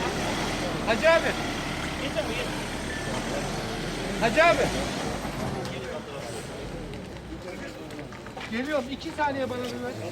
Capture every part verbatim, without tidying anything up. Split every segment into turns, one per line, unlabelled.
Hacı abi. Hacı abi. Geliyorum. iki saniye bana bir ver.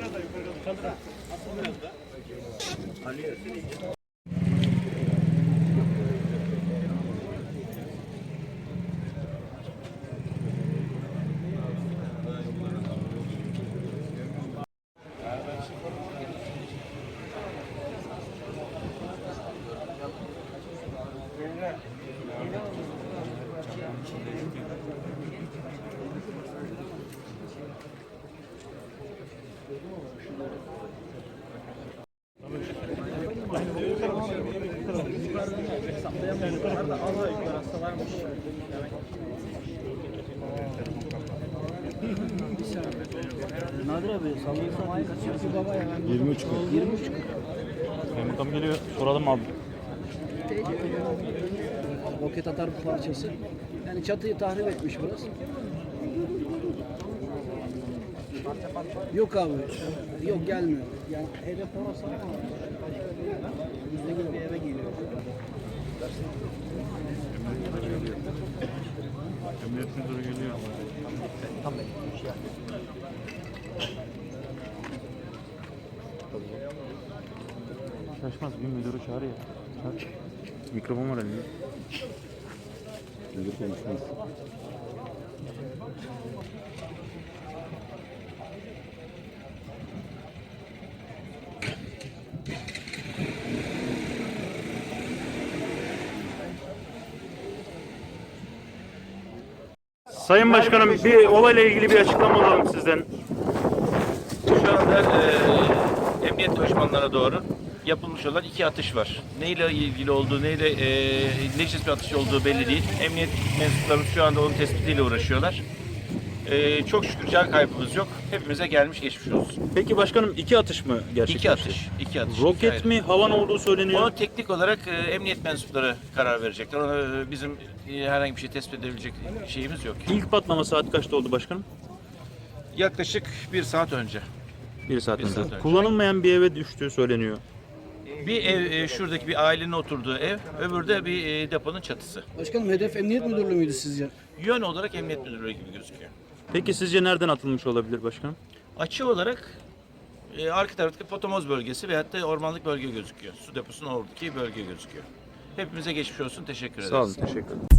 Nadir abi sallıyorsan kaç yaşında baba ya?
yirmi üç
yirmi üç.
Kaymakam geliyor. Soralım abi.
Roket atar bir parçası. Yani çatıyı tahrip etmiş biraz. Yok abi. Yok gelmiyor. Yani hedef orası ama bizde gibi bir eve geliyor.
Emniyet müdürü geliyor.
Tamam.
Şaşmaz. Bir müdürü çağır ya. Çağır. Mikrofon var elinde. Müdür konuşmaz. Sayın Başkanım, bir olayla ilgili bir açıklama alalım sizden.
Şu anda e, emniyet koşmanlarına doğru yapılmış olan iki atış var. Neyle ilgili olduğu, neyle e, ne çeşit bir atış olduğu belli değil. Emniyet mensuplarımız şu anda onun tespitiyle uğraşıyorlar. E, çok şükür can kaybımız yok. Hepimize gelmiş geçmiş olsun.
Peki başkanım, iki atış mı gerçekleşti?
İki atış. iki atış.
Roket
iki
mi, havan olduğu söyleniyor.
Onu teknik olarak e, emniyet mensupları karar verecekler. Ona e, bizim e, herhangi bir şey tespit edebilecek şeyimiz yok.
İlk patlama saat kaçta oldu başkanım?
Yaklaşık bir saat önce.
Bir saat,
Bir
önce.
saat önce.
Kullanılmayan bir eve düştüğü söyleniyor.
Bir ev, e, şuradaki bir ailenin oturduğu ev, öbürü de bir e, deponun çatısı.
Başkanım hedef emniyet müdürlüğü müydü sizce?
Yön olarak emniyet müdürlüğü gibi gözüküyor.
Peki sizce nereden atılmış olabilir başkanım?
Açı olarak e, arka taraftaki Potomoz bölgesi veyahut da ormanlık bölge gözüküyor. Su deposunun oradaki bölge gözüküyor. Hepimize geçmiş olsun. Teşekkür ederiz.
Sağ olun, teşekkür ederim.